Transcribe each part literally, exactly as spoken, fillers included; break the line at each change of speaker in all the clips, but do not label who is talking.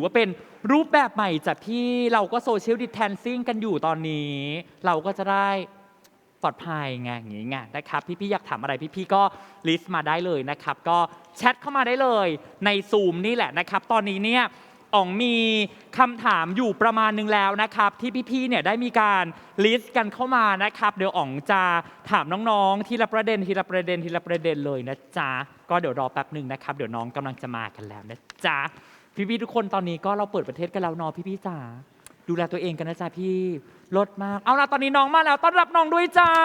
ว่าเป็นรูปแบบใหม่จากที่เราก็โซเชียลดิสแทนซิ่งกันอยู่ตอนนี้ เราก็จะได้ปลอดภัยไงอย่างงี้ไงนะครับพี่ๆอยากถามอะไรพี่ๆก็ลิสต์มาได้เลยนะครับก็แชทเข้ามาได้เลยในซูมนี่แหละนะครับตอนนี้เนี่ยอ๋องมีคำถามอยู่ประมาณนึงแล้วนะครับที่พี่ๆเนี่ยได้มีการลิสต์กันเข้ามานะครับเดี๋ยวอ๋องจะถามน้องๆทีละประเด็นทีละประเด็นทีละประเด็นเลยนะจ๊ะก็เดี๋ยวรอแป๊บหนึ่งนะครับเดี๋ยวน้องกำลังจะมากันแล้วนะจ๊ะพี่ๆทุกคนตอนนี้ก็เราเปิดประเทศกันแล้วเนาะพี่ๆจ๋าดูแลตัวเองกันนะจ๊ะพี่ลดมากเอาล่ะตอนนี้น้องมาแล้วต้อนรับน้องด้วยจ้า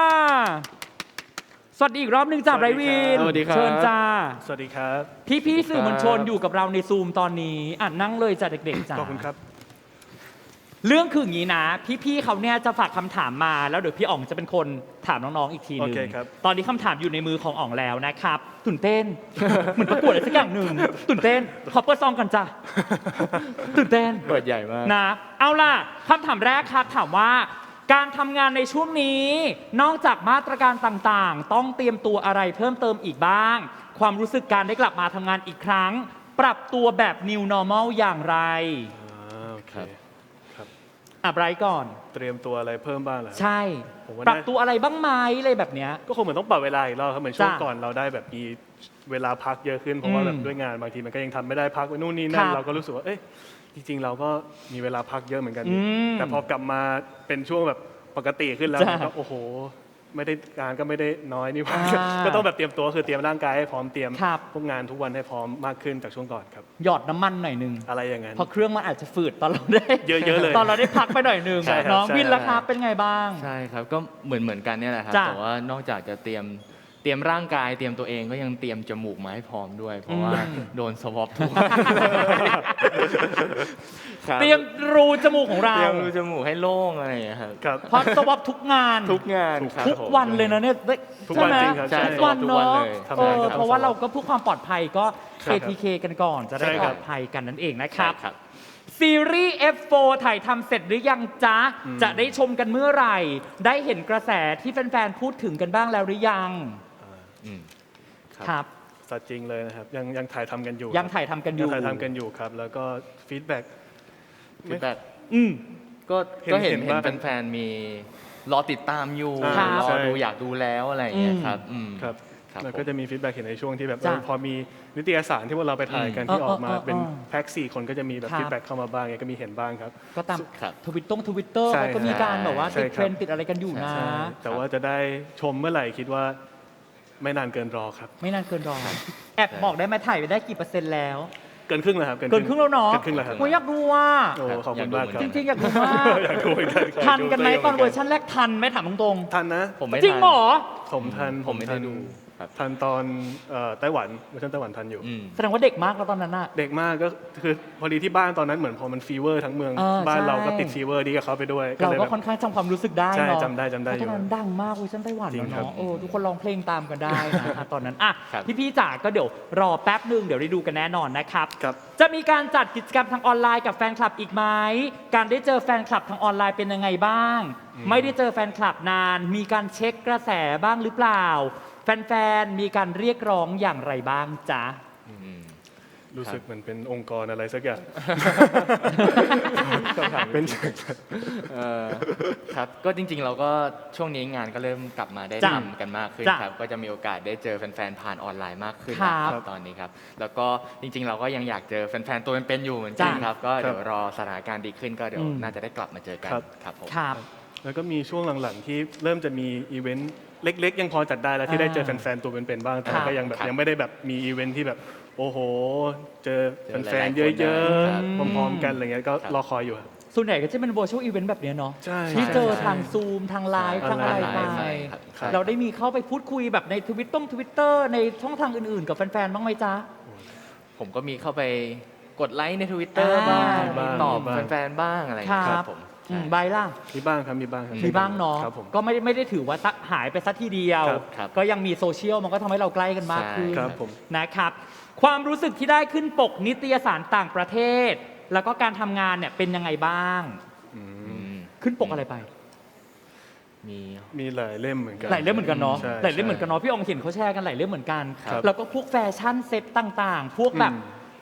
สวัสดีอีกรอบหนึ่งจ้าไรวิน
สวัสดีครับ
เชิญจ้า
สวัสดีครับ
พี่ๆสื่อมวลชนอยู่กับเราในซูมตอนนี้อ่ะนั่งเลยจ้ะเด็กๆจ้า
ขอบคุณครับ
เรื่องคืออย่างนี้นะพี่ๆเขาเนี่ยจะฝากคำถามมาแล้วเดี๋ยวพี่อ๋องจะเป็นคนถามน้องๆอีกทีหนึง
โอเคครับ
ตอนนี้คำถามอยู่ในมือของอ๋องแล้วนะครับตื่นเต้น เหมือนประกวดอะไรสักอย่างหนึ่งตื่นเต้นขอเปิดซองกันจ้ะตื่นเต้น
เปิดใหญ่มาก
นะเอาล่ะคำถามแรกครับถามว่า การทำงานในช่วงนี้นอกจากมาตรการต่างๆ ต้องเตรียมตัวอะไรเพิ่มเติมอีกบ้าง ความรู้สึกการได้กลับมาทำงานอีกครั้ง ปรับตัวแบบ New Normal อย่างไร
อ่าโอเค
ครับ
ครับ
อ่ะไบรท์ก่อน
เตรียมตัวอะไรเพิ่มบ้างเหรอ
ใช่
ผมว่า
ปรับ
น่า
ตัวอะไรบ้างไหมอะไรแบบเนี้ย
ก็คงเหมือนต้องปรับเวลาอีกรอบครับเหมือนช่วง
จ้ะ
ก่อนเราได้แบบมีเวลาพักเยอะขึ้นเพราะว่า
อืม
แบบด้วยงานบางทีมันก็ยังทำไม่ได้พักไปนู่นนี่นั่
คน รับ
เราก็รู้สึกว่าเอ้ยจริงๆ เราก็มีเวลาพักเยอะเหมือนกัน
อืม
แต่พอกลับมาเป็นช่วงแบบปกติขึ้นแล้ว
จ้ะ
มันก็โอ้โหไม่ได้งานก็ไม่ได้น้อยนี่หว่า
อ่า
ก็ต้องแบบเตรียมตัวคือเตรียมร่างกายให้พร้อมเตรียม
ครับ
พวกงานทุกวันให้พร้อมมากขึ้นจากช่วงก่อนครับ
หยอดน้ำมันหน่อยหนึง
อะไรอย่างนั้น
เพราะเครื่องมันอาจจะฝืดตอนเราได้
เยอะๆเลย
ตอนเราได้พักไปหน่อยหนึง
ใช่ครับ
น้อง
ใช่
วินล่ะครับเป็นไงบ้าง
ใช่ครับก็เหมือนเหมือนกันเนี่ยแหละครับ
จ้ะ
แต่ว่านอกจากจะเตรียมเตรียมร่างกายเตรียมตัวเองก็ยังเตรียมจมูกมาให้พร้อมด้วย เพราะว่า
อืม
โดนสวอปทุกวันคบ
เตรียมรูจมูกของเรา
เตรียมรูจมูกให้โล่งอะไรอย่างเงี้ยครับ
ครับ
เพราะสวอปทุกงาน
ทุกงานครับ
ทุก
ผม
วันเลยนะเนี่ยได้
ทุกวัน
ใช่ไหม
จริงครับ
ใช่
ทุกวัน
ทุกวัน
เนาะ
เลย
ทำ
เอง
าน
อ
ครับ
เพราะว่าเราก็เพื่อความปลอดภัยก็
ใช่
เค
ครับ
ที เค กันก่อนจะได้
ใช่
ป
ค
ล
รั
อบ ดภัยกันนั่นเองนะครับ
ใช่ครับ
ซีรีส์ เอฟ โฟร์ ถ่ายทำเสร็จหรือยังจ๊ะ
อืม
จะได้ชมกันเมื่อไหร่ ได้เห็นกระแสที่แฟนๆ พูดถึงกันบ้างแล้วหรือยัง
อืมครับ
ครับ
สัตว์จริงเลยนะครับยังยังถ่ายทำกันอยู่
ยังถ่ายทำกันอ
ยัง
ยู่
ถ่ายทำกันอยู่ครับ แล้วก็ฟีดแบ็ก
ฟีดแบ็ก
อืม
ก็
เห็น
ก็เห็น
เห็น
เห็น
บ้าง
แฟนๆมีรอติดตามอยู่
ครับ
รอ
ใช่
ดูอยากดูแล้วอะไรอย่างเงี้ยครับอืม
ครับ
ครับ
แล้ว
ผม
ก็จะมีฟีดแบ็กเห็นในช่วงที่แบบ
จ้ะ
เออพอมีนิตยสารที่พวกเราไปถ่ายกัน
อืม
ที่ออกมา
เออเออเออ
เป็นแพ็กสี่คนก็จะมีแบบ
ครับ
ฟีดแบ็กเข้ามาบ้างไงก็มีเห็นบ้างครับ
ก็ตาม
ครับ
ทวิตต้งทวิตเตอร์
ใช่
ก็มีการแบบว่า
ใช่
ติด
ครับ
เทรนด์ติดอะไรกันอยู่นะ
ใช่
แต่ว่าจะได้ชมเมื่อไหร่คิดว่าไม่นานเกินรอครับ
ไม่นานเกินรอแอบบอกได้ไหมถ่ายไปได้กี่เปอร์เซ็นต์แล้ว
เกินครึ่งแล้วครับ
เกินครึ่งแล้วเนาะ
เกินครึ่งแล้วครับ
โอ้ยอยากดูว่า
โอ้ขอบคุณมากครับ
จริงๆอยากดูมาก
อยากดูเหมือนกันครับ
ทันกันไหม
อยา
ตอน
ดู
เวอร์ชันแรกทันไหมถามตรง
ทันนะ
ผมไม่
ๆจริง
ทัน
เหรอ
ผมทัน
ผมไม่ได้
ทัน
ดูครับ
ทันตอนเอ่อไต้หวันเวอร์ชันไต้หวันทันอยู่
อืม
แสดงว่าเด็กมากแล้วตอนนั้นน่ะ
เด็กมากก็คือพอดีที่บ้านตอนนั้นเหมือนพอมันฟีเวอร์ทั้งเมือง
เออ
บ้าน
ใช่
เราก็ติดฟีเวอร์ดีกับเขาไปด้วย
เรา
เลย
ก็
แบบ
ค่อนข้างจำความรู้สึกได้
ใช่
เนาะ
จำได้จำได้
เพราะ
อยู่
ตอนนั้นดังมากเวอร์ชันไต้หวัน
จริง
แล้ว
ครับ
เนาะโอ้ทุกคนร้องเพลงตามกันได้นะอ่ะตอนนั้นอ่ะ
ครับ
พี่ๆจ๋าก็เดี๋ยวรอแป๊บหนึ่งเดี๋ยวได้ดูกันแน่นอนนะครับ
ครับ
จะมีการจัดกิจกรรมทางออนไลน์กับแฟนคลับอีกไหมการได้เจอแฟนคลับทางออนไลน์เป็นยังไงบ้าง ไม่ได้เจอแฟนคลับนาน มีการเช็คกระแสบ้างหรือเปล่า แฟนๆ มีการเรียกร้องอย่างไรบ้างจ๊ะ
อืม
รู้สึกเหมือนเป็นองค์กรอะไรสักอย่าง เป็น
เอ่อครับก็จริงๆ เราก็ช่วงนี้งานก็เริ่มกลับมาได้
จ้ะ
ทำกันมากขึ้น
จ้ะ
ครับก็จะมีโอกาสได้เจอแฟนๆ ผ่านออนไลน์มากขึ้น
ครับ
นะครับตอนนี้ครับแล้วก็จริงๆ เราก็ยังอยากเจอแฟนๆ ตัวเป็นๆ อยู่เหมือนกัน
จ้ะ
ครับก็
ครับ
เดี๋ยวรอสถานการณ์ดีขึ้นก็เดี๋ยว
อืม
น่าจะได้กลับมาเจอกัน
ครับ
ครับผม
ครับ
แล้วก็มีช่วงหลังๆที่เริ่มจะมีอีเวนต์เล็กๆ ยังพอจัดได้แล้วที่ได้เจอ
อ่า
แฟนๆตัวเป็นๆบ้างแต่
ครับ
ก็ยังแบบ
ครับ
ยังไม่ได้แบบมีอีเวนต์ที่แบบโอ้โห เจอ
เจอ
แฟนๆ
หลายๆ
เยอะ
คนนะครับ
ๆพร้อมๆกันอะไรเงี้ยก็
ครับ
รอคอยอยู่ครับ
ส่วนใหญ่ก็จะเป็น virtual event แบบเนี้ยเนาะ
ใช่
ที่
ใช่
เจอ
ใช่
ทางซูมทางไลฟ์
ใช่
ทางอะไรไป
ใช่ครับใช่
เราได้มีเข้าไปพูดคุยแบบในทวิตต้งทวิตเตอร์ในช่องทางอื่นๆ กับแฟนๆ บ้างไหมจ๊ะ
ผมก็มีเข้าไปกดไลค์ในทวิตเตอร์
อ่า
บ้าง
บ้าง
ตอบ
บ้าง
แฟนๆ บ้างอะไรอย่าง
ค
เงี้ย
รั
ครับ บผม
อื
ใช่
มใบล่ะ
มีบ้างครับมีบ้างครับ
มีบ้างเนาะ
ครับผม
ก็ไม่ได้ไม่ได้ถือว่าซะหายไปสักทีเดียว
ครับ
ครับ
ก็ยังมีโซเชียลมันก็ทำให้เราใกล้กันมากขึ้น
ครับผม
นะครับ ความรู้สึกที่ได้ขึ้นปกนิตยสารต่างประเทศ แล้วก็การทำงานเนี่ยเป็นยังไงบ้าง
อื
อื
ม
ม
ขึ้นปกอะไรไป
มี
มีหลายเล่มเหมือนกัน
หลายเล่มเหมือนกันเนาะ
ใช่
หลายเล่มเหมือนกันเนาะพี่อองเห็นเขาแชร์กันหลายเล่มเหมือนกัน
ครับ
แล้วก็พวกแฟชั่นเซ็ตต่างๆ พวกแบบ
อืม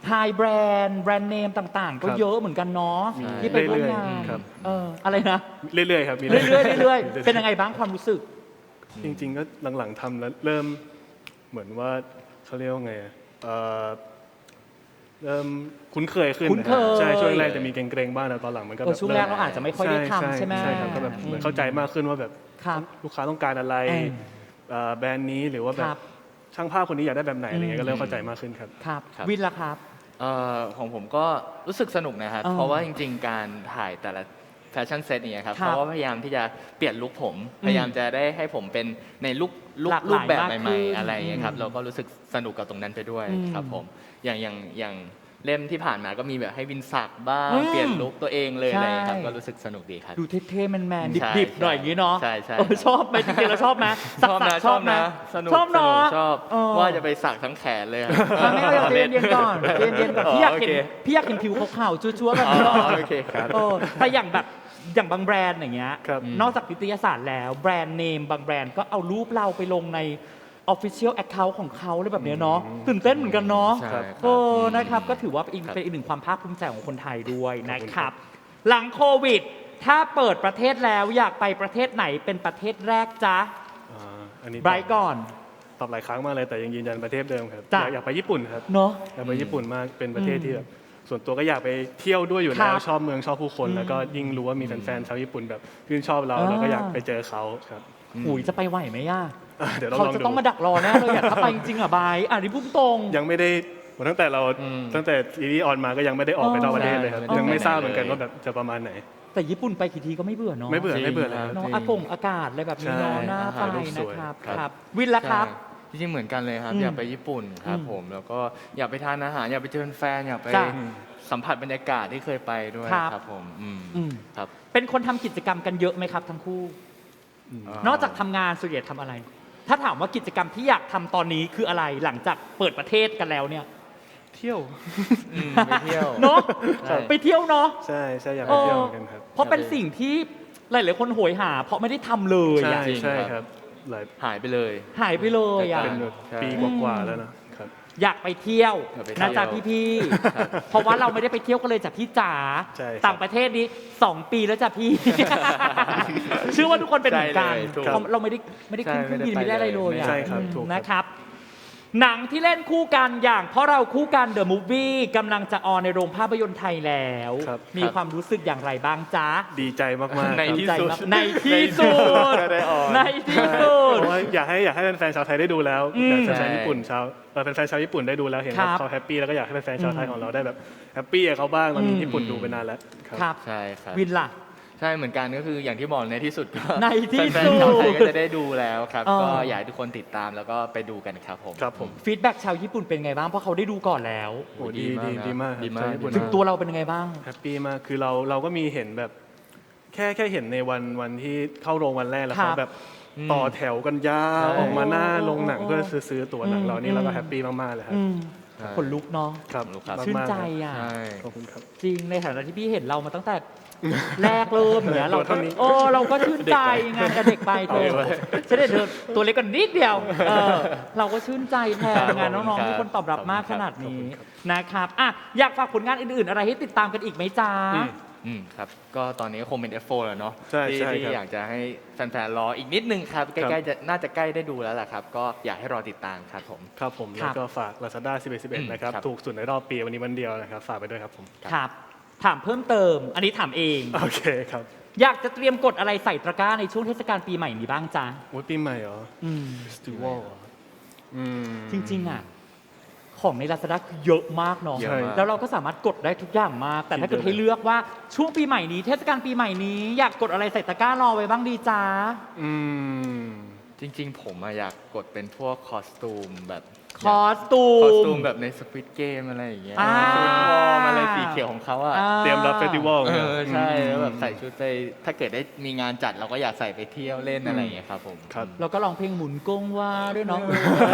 ไฮแบรนด์แบรนด์เนมต่างๆ ก็
ครับ
เยอะเหมือนกันเนาะ
มี
ที่ไปร่วมงา
เรื่อย
น
ๆครับ
เอออะไรนะ
เรื่อยๆครับมี
เรื่อยๆเรื่อยๆเป็นยังไงบ้างความรู้สึก
จริงๆก็หลังๆทำแล้วเริ่มเหมือนว่าเขาเรียกว่าไงอะเอ่อเริ่มคุ้นเคยขึ้น
คุ้นเคย
ใช่ช่วงแรกจะมีเกรงๆบ้างแต่ตอนหลังมันก็
เอ
แบ
อบ ช่วงแรกเราอาจจะไม่ค่อยได้ทำใช่ไหม
ใช่ครับก็แบบเหมือนเข้าใจมากขึ้นว่าแบบ
ครับ
ลูกค้าต้องการอะไร
เออ
เอ่อแบรนด์นี้หรือว่าแบ
ครับ บ
ช่างภาพคนนี้อยากได้แบบไหนอะไรเงี้ยก็เริ่มเข้าใจมากขึ้นครับ
ครับ
ครับ
วินล่ะครับ
เอ่อของผมก็รู้สึกสนุกนะครับ
อ่า
เพราะว่าจริงๆ การถ่ายแต่ละแฟชั่นเซตเนี่ยครับ
ครับ
เขาก็พยายามที่จะเปลี่ยนลุคผม
อืม
พยายามจะได้ให้ผมเป็นในลุคลุค
หลากหลาย
รูปแบบ
มากขึ้น
ใหม่ๆ อะไรอย่างเงี้ยครับ
อืม
เราก็รู้สึกสนุกกับตรงนั้นไปด้วย
อืม
ครับผม อย่างอย่างอย่างเล่มที่ผ่านมาก็มีแบบให้วินสักบ้าง
อืม
เปลี่ยนลุคตัวเองเลย
ใช่
อะไรอย่างเงี้ยครับ ก็รู้สึกสนุกดีครับ
ดูเท่ๆแมน
ใช่
ๆดิบๆหน่อยอย่างนี้เนาะ
ใช่ใช่
เออชอบไหมจริงๆเราชอบไหม
ชอบนะ
สักๆชอบนะ
สนุก
ชอบเนาะ
สกชอบ
เออ
ว่าจะไปสักทั้งแขนเลยอะ
อ่ะไม่เอาอย่าใจเย็นๆก่อนใจเย็นๆก่อนพี่อยากเห็น
โอเค
พี่อยากเห็นผิวขาวๆจั๊วๆแบบ
อ๋อ
นี้ก่อน
โอเคครับ
เออแต่อย่างแบบอย่างบางแบรนด์อย่างเงี้ย
ครับ
นอกจากนิตยสารแล้วแบรนด์เนมบางแบรนด์ก็เอารูปเราไปลงใน Official Account ของเขาเลยแบบเนี้ยเนาะตื่นเต้นเหมือนกันเนาะ
ใช่ครับ
โอ้นะครับก็ถือว่าเป็นอีก
ครับ
เป็นอีกหนึ่งความภาคภูมิใจของคนไทยด้วยนะครับ หลังโควิด ถ้าเปิดประเทศแล้วอยากไปประเทศไหนเป็นประเทศแรกจ๊ะ
อ่าอันนี้
ไบรท์ก่อน
ตอบหลายครั้งมากเลยแต่ยังยืนยันประเทศเดิมครับ
จ้ะ
อยากอยากไปญี่ปุ่นครับ
เนาะ
อยากไปญี่ปุ่นมากเป็นประเทศ
อืม
ที่แบบส่วนตัวก็อยากไปเที่ยวด้วยอยู่
ครั
แล้
บ
วชอบเมืองชอบผู้คน
อืม
แล้วก็ยิ่งรู้ว่ามีแฟนๆชาวญี่ปุ่นแบบชื่นชอบเรา
อ่า
เราก็อยากไปเจอเขาครับ
หุยจะไปไหวไหมย่า
อ่ะเดี๋ยวเรา
เขา
ลอง
จะ
ดู
ต้องมาดักรอแน่เลยอะถ้าไปจริงๆอะบายอ่ะนี่พูดตรง
ยังไม่ได้ตั้งแต่เรา
อืม
ตั้งแต่ซีรีส์ออนมาก็ยังไม่ได้ออกไปนอกประเทศเลยครับ
ใช่
ยังไม่ทราบเหมือนกัน
ไม่ได้
ว่าแบบจะประมาณไหน
แต่ญี่ปุ่นไปกี่ทีก็ไม่เบื่อเนาะ
ไม่เบื่อ
จริง
ไม่เบื่อเลย
ค
ค
รั
รับ บ
เนาะ
จริง
อากงอากาศอะไรแบบนี้เนาะ
ใช่
น่า
อา
ไป
หารรูปส
นะ
วย
ครับ
ครับ
ครับ วินละครับ
ใช่จริงๆเหมือนกันเลยครับ
อืม
อยากไปญี่ปุ่นครับ
อืม
ผมแล้วก็อยากไปทานอาหารอยากไปเจอแฟนอยากไป
จ้ะ
สัมผัสบรรยากาศที่เคยไปด้วย
ครับ
ครับผมอืม
อืม
ครับ
เป็นคนทำกิจกรรมกันเยอะไหมครับทั้งคู่
อ่
นอกจากทำงานส่วนใหญ่ทำอะไร ถ้าถามว่ากิจกรรมที่อยากทำตอนนี้คืออะไรหลังจากเปิดประเทศกันแล้วเนี่ย
เที่ยว
อืมไปเที่ยว
เนาะ
ใช่
ไปเที่ยวเนาะ
ใช่ใช่อยากไปเที่ยวเหมือนกันครับ
เพราะเป็นสิ่งที่หลายๆคนโหยหา เพราะไม่ได้ทำเลย
ใช่
อะ
จริง
ใช่
ครับ
ครับหลาย
หายไปเลย
หายไปเลยอะ
เป็นแบบ
ใช่
ปีกว่าๆแล้วนะครับ
อยากไปเที่ยว
อยากไปเที่
นะ
ยว
จ๊ะพี่
ครับ
ๆ เพราะว่าเราไม่ได้ไปเที่ยวกันเลยจากพี่จ๋า
ใช่ครับ
ต่างประเทศนี้สองปีแล้วจ้ะพี่ เชื่อว่าทุกคนเป็นเหมือนกัน
ใช่เลยถูก
เพราะเราไม่ได้ไม่ได้ขึ้นเครื่องบิน
ใช่
ไม่ได้อะไรเลย
ไม่
อะ
ได้
ใช่ครับถูกครับ
นะครับ หนังที่เล่นคู่กันอย่างเพราะเราคู่กันเดอะมูฟวี่กำลังจะออนในโรงภาพยนตร์ไทยแล้ว
ครับ
มีความรู้สึกอย่างไรบ้างจ๊ะ
ดีใจมากๆ
ใน
ครับ
ที่
ใจ
สุด
มากในที่สุด
ได้ออน
ในที่สุด
เพราะว่าอยากให้อยากให้แฟนๆชาวไทยได้ดูแล้ว
อืม
อยากให้แฟน
ใช่
ๆญี่ปุ่นชาวเอ่อแฟนๆชาวญี่ปุ่นได้ดูแล้วเห็น
ครั
ว่า
บ
เขาแฮปปี้แล้วก็อยากให้แฟนๆชาวไทย
อืม
ของเราได้แบบแฮปปี้กับเขาบ้างตอนนี้
อืม
ญี่ปุ่นดูไปนานแล้วครับ
ครับ
ใช่ครับ
วินล่ะ
ใช่เหมือนกันก็คืออย่างที่บอกในที่สุดก็
ในที่
แฟน
สุด
ๆชาวไทยก็จะได้ดูแล้วครับ
เออ
ก็อยากให้ทุกคนติดตามแล้วก็ไปดูกันครับผม
ครับผม
ฟีดแบ็กชาวญี่ปุ่นเป็นไงบ้างเพราะเขาได้ดูก่อนแล้ว
โอ้ดี
ดี
ดี
มาก
ดีมาก
ดีมาก
ชาวญี่ปุ่น
ดี
ถึง
มาก
ตัวเราเป็นยังไงบ้าง
แฮปปี้มากคือเราเราก็มีเห็นแบบแค่แค่เห็นในวันวันที่เข้าโรงวันแรกแล้ว
ครั
เขา
บ
แบบต่อแถวกันยาว
ใช่
ออกมาหน้าโรงหนัง
โอ้
เพื่อซื้อซื้อตั๋วหนัง
อืม
เรานี่เราก็
อืม
แฮปปี้มากๆเลยครับ
อืม
ใช่
ขนลุกเนาะ
ครับ
ครับ
มากๆ
ชื่นใจ
ครับ
อ่ะ
ใช่
ขอบคุณครับ
จริงในฐานะที่พี่เห็นเรามาตั้งแต่แรกเริ่มอย่างเนี้ยเรา
ตัว
ก็
เท่านี้
โอ้เราก็ชื่นใจไงานกับเด็กไปเธอฉันเด็กเธอตัวเล็กกว่านิดเดียวเออเราก็ชื่นใจแทนงานน้องๆที่คนตอบรับมากขนาดนี้นะครับอ่ะอยากฝากผลงานอื่นๆ อะไรให้ติดตามกันอีกไหมจ๊ะ
อืม
อืมครับก็ตอนนี้ก็คงเป็น เอฟ โฟร์ แล้วเนาะ
ใช่
ที่
ใช่
ที่
ครับ
อยากจะให้แฟนๆรออีกนิดนึงครับใกล้ๆจะน่าจะใกล้ได้ดูแล้วแหละครับ ก็อยากให้รอติดตามครับผม
ครับผม
ครั
แล้
บ
วก็ฝาก Lazada สิบเอ็ด สิบเอ็ด
อืม
นะครับ
ครับ
ถูกสุดในรอบปีวันนี้วันเดียวนะครับ ฝากไปด้วยครับผม
ครับ ถามเพิ่มเติม อันนี้ถามเอง
โอเคครับ
อยากจะเตรียมกดอะไรใส่ตะกร้าในช่วงเทศกาลปีใหม่นี้บ้างจ๊ะ
โอ้ยปีใหม่เหรอ
อืม
เฟสติวัลอืม
จริงๆอ่ะของใน Lazada คือเยอะมากเนาะ
เยอะมาก
แล้วเราก็สามารถกดได้ทุกอย่างมาก แต่ถ้าเกิดให้เลือกว่าช่วงปีใหม่นี้เทศกาลปีใหม่นี้อยากกดอะไรใส่ตะกร้ารอไว้บ้างดีจ๊ะ
อืม
จริงๆ ผมอะอยากกดเป็นพวกคอสตูมแบบ
คอสตู
คอส
ม
ตูมแบบในสควิตเกมอะไรอย่างเงี้ย
อ่า
ชุดวอร์มอะไรสีเขียวของเขาอะ
อ่า
เตรียมรับเฟสติวัล
เอ
นี่ย
อใช่แล้วแบบใส่ชุดไปถ้าเกิดได้มีงานจัดเราก็อยากใส่ไปเที่ยวเล่นอะไรอย่างเงี้ยครับผม
ครับ
แล้วก็ร้องเพลงหมุนกงว่าด้วยเนาะ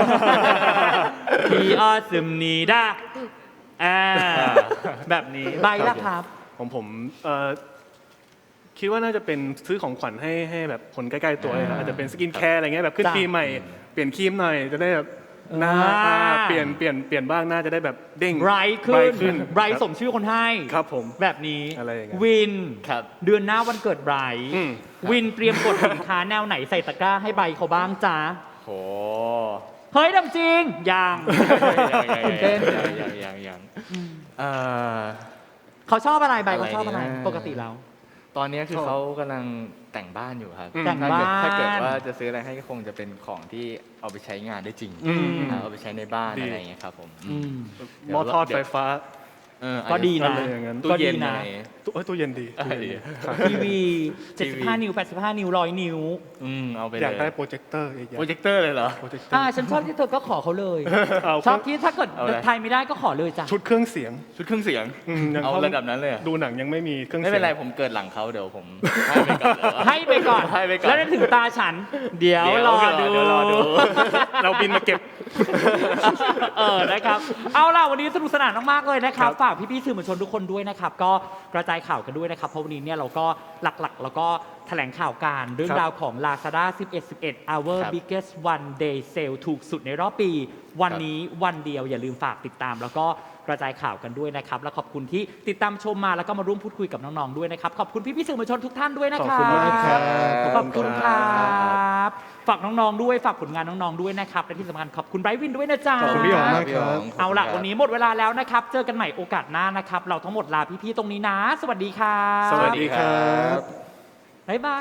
พีออสมนีดาอ่าแบบนี้ใบละครับ
ของผมเอ่อคิดว่าน่าจะเป็นซื้อของขวัญให้ให้แบบคนใกล้ๆตัวเลยครับอาจจะเป็นสกินแคร์อะไรเงี้ยแบบขึ้น
จ้ะ
ปีใหม่เปลี่ยนครีมหน่อยจะได้แบบหน้า
อ่า
เปลี่ยนเปลี่ยนเปลี่ยนบ้างหน้าจะได้แบบเด้ง
ไบรท์ขึ้
bright
น
ขึ้น
ไบรท์
ครับ
สมชื่อคนให้
ครับผม
แบบนี้
อะไรอย่างเงี้ย
วิน
ครับ
เดือนหน้าวันเกิดไบรท์
อืม
วินเตรียมกดสินค้าแนวไหนใส่ตะกร้าให้ไบรท์เขาบ้างจ้า
โห
เฮ้ยดำจริงยัง
ยังยัง
ตื่นเต้น
ยังยังยังยังเอ่อ
เขาชอบอะไรไบรท์เขา
อะไร
ชอบอะไร
นะ
ปกติแล้ว
ตอนนี้คือ
ชอบ
เขากำลังแต่งบ้านอยู่ครับ
อืม
แต่ง
ถ้าเกิด
บ้าน
ถ้าเกิดว่าจะซื้ออะไรให้ก็คงจะเป็นของที่เอาไปใช้งานได้จริง
อืม
อ่าเอาไปใช้ในบ้าน
ดี
อะไรอย่างเงี้ยครับผม
อืม
หม้อทอดไฟฟ้า
เออ
ก็ดีนะ
อะไรอย่างนั้น
ตู้
ก็ดี
เย็น
นะ
อะไร
ตู้เอ้ยตู้เย็นดี
เออดี
ทีวีเจ็ดสิบห้านิ้วแปดสิบห้านิ้วร้อยนิ้ว
อืมเอาไปเลย
อยากได้โปรเจคเตอร์อีกอย่าง
โปรเจคเตอร์เลยเหรอ
โปรเจคเตอ
อ่า
ร์
ฉันชอบที่เธอก็ขอเขาเลย
เอา
ชอบที่ถ้าเกิด
เอาเลย
ไทยไม่ได้ก็ขอเลยจ้ะ
ชุดเครื่องเสียง
ชุดเครื่องเสียง
อืมยัง
เอา
ข้
ระดับนั้นเลยเหรอ
ดูหนังยังไม่มีเครื่อง
ไม่
เสียง
เป็นไรผมเกิดหลังเขาเดี๋ยวผมให้ไปก่อนเลย
ให้ไปก่อน
ให้ไปก่อน
แล้วถึงตาฉัน เดี๋ยว
เดี๋ยว
รอดู
เดี๋ยวรอดู
เราบินมาเก็บ
เออนะครับ เอาล่ะวันนี้สนุกสนานมากๆเลยนะครับ
ครับ
ฝากพี่ๆสื่อมวลชนทุกคนด้วยนะครับ ก็กระจายข่าวกันด้วยนะครับ เพราะวันนี้เนี่ยเราก็หลักๆ แล้วก็แถลงข่าวการเรื่องราวของ Lazada สิบเอ็ด สิบเอ็ด hour
ครับ
biggest one day sale ถูกสุดในรอบปี วันนี้วันเดียวอย่าลืมฝากติดตาม แล้วก็กระจายข่าวกันด้วยนะครับ และขอบคุณที่ติดตามชมมาแล้วก็มาร่วมพูดคุยกับน้องๆด้วยนะครับ ขอบคุณพี่ๆสื่อมวลชนทุกท่านด้วยนะครั
ขอบคุณมากครับ
ขอบคุณครับ ฝากน้องๆด้วยฝากผลงานน้องๆด้วยนะครับและที่สำคัญขอบคุณไบรท์วินด้วยนะจ๊ะ
ขอบคุณพี่อ๋องมากครับ
เอาล่ะวันนี้หมดเวลาแล้วนะครับ เจอกันใหม่โอกาสหน้านะครับ เราทั้งหมดลาพี่ๆตรงนี้นะ สวัสดีครับ
สวัสดีครับ
บ๊ายบาย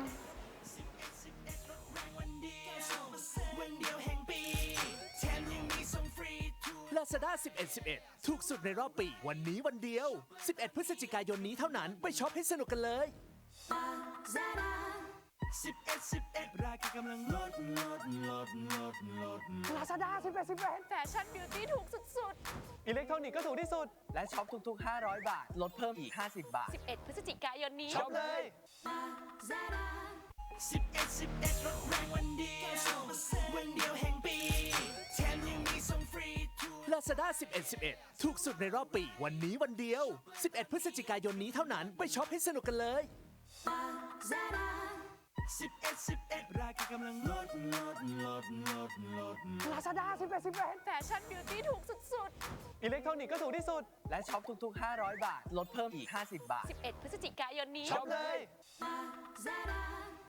Lazada สิบเอ็ด สิบเอ็ด ถูกสุดในรอบปี วันนี้วันเดียว สิบเอ็ด พฤศจิกายนนี้เท่านั้น ไปช็อปให้สนุกกันเลย
สิบเอ็ด สิบเอ็ด ราคากำลังลดลดลดลดลดลด
Lazada สิบเอ็ด สิบเอ็ด แฟชั่นบิวตี้ถูกสุด
อิเล็กทรอนิกส์ก็ถูกที่สุด และช็อปทุกๆ ห้าร้อย บาท ลดเพิ่มอีก ห้าสิบบาท
ๆ สิบเอ็ด พฤศจิกายนนี้
ช็อปเลย
สิบเอ็ด สิบเอ็ด ลดแรงวันเดียว วันเดียวแห่งปี แถมยังมีส่งฟรีทุก
Lazada สิบเอ็ด สิบเอ็ด ถูกสุดในรอบปี วันนี้วันเดียว สิบเอ็ด พฤศจิกายนนี้เท่านั้น ไปช็อปให้สนุกกันเลย
สิบเอ็ด สิบเอ็ด ราคากำลังลดลดลดลดลด
Lazada สิบเอ็ด สิบเอ็ด แฟชั่นบิวตี้ถูกสุด
อิเล็กทรอนิกส์ก็ถูกที่สุด และช็อปทุกๆ ห้าร้อย บาท ลดเพิ่มอีก ห้าสิบบาท
ๆ สิบเอ็ด พฤศจิกายนนี้
ช็อปเลย
Lazada